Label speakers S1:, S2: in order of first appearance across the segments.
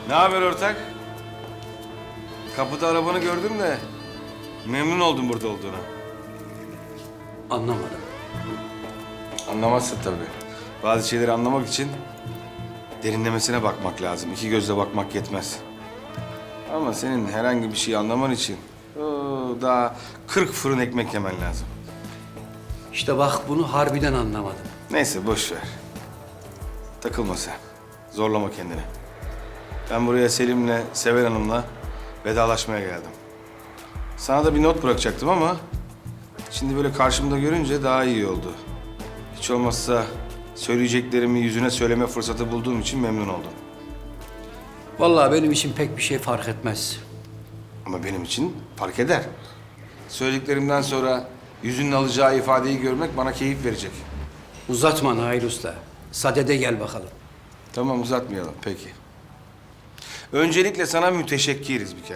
S1: Ne haber ortak? Kapıda arabanı gördüm de memnun oldum burada olduğuna.
S2: Anlamadım.
S1: Anlamazsın tabii. Bazı şeyleri anlamak için derinlemesine bakmak lazım. İki gözle bakmak yetmez. Ama senin herhangi bir şeyi anlaman için daha 40 fırın ekmek yemen lazım.
S2: İşte bak bunu harbiden anlamadım.
S1: Neyse boş ver. Takılma sen. Zorlama kendini. Ben buraya Selim'le, Sever Hanım'la vedalaşmaya geldim. Sana da bir not bırakacaktım ama şimdi böyle karşımda görünce daha iyi oldu. Hiç olmazsa söyleyeceklerimi yüzüne söyleme fırsatı bulduğum için memnun oldum.
S2: Vallahi benim için pek bir şey fark etmez.
S1: Ama benim için fark eder. Söylediklerimden sonra yüzünün alacağı ifadeyi görmek bana keyif verecek.
S2: Uzatma Nail Usta. Sadede gel bakalım.
S1: Tamam uzatmayalım peki. Öncelikle sana müteşekkiriz bir kere.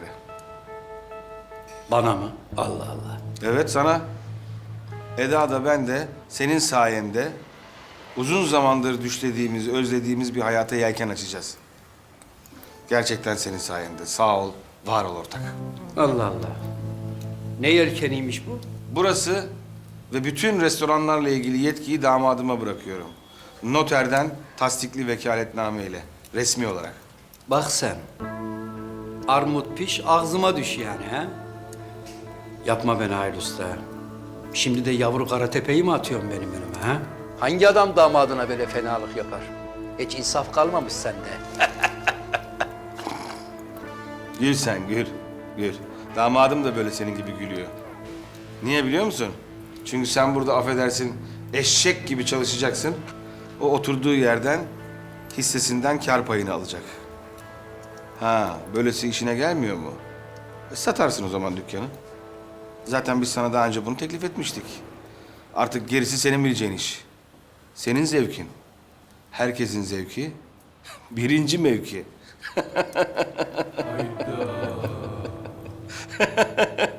S2: Bana mı? Allah Allah.
S1: Evet sana. Eda da ben de senin sayende uzun zamandır düşlediğimiz, özlediğimiz bir hayata yelken açacağız. Gerçekten senin sayende. Sağ ol, var ol ortak.
S2: Allah Allah. Ne yelkeniymiş bu?
S1: Burası ve bütün restoranlarla ilgili yetkiyi damadıma bırakıyorum. Noterden tasdikli vekaletname ile, resmi olarak.
S2: Bak sen. Armut piş ağzıma düş yani ha? Yapma be Nail Usta. Şimdi de yavru Karatepe'yi mi atıyorsun benim önüme ha? Hangi adam damadına böyle fenalık yapar? Hiç insaf kalmamış sende.
S1: Gül sen, gül, gül. Damadım da böyle senin gibi gülüyor. Niye biliyor musun? Çünkü sen burada affedersin eşek gibi çalışacaksın. O oturduğu yerden hissesinden kar payını alacak. Ha, böylesi işine gelmiyor mu? Satarsın o zaman dükkanı. Zaten biz sana daha önce bunu teklif etmiştik. Artık gerisi senin bileceğin iş. Senin zevkin. Herkesin zevki. Birinci mevki.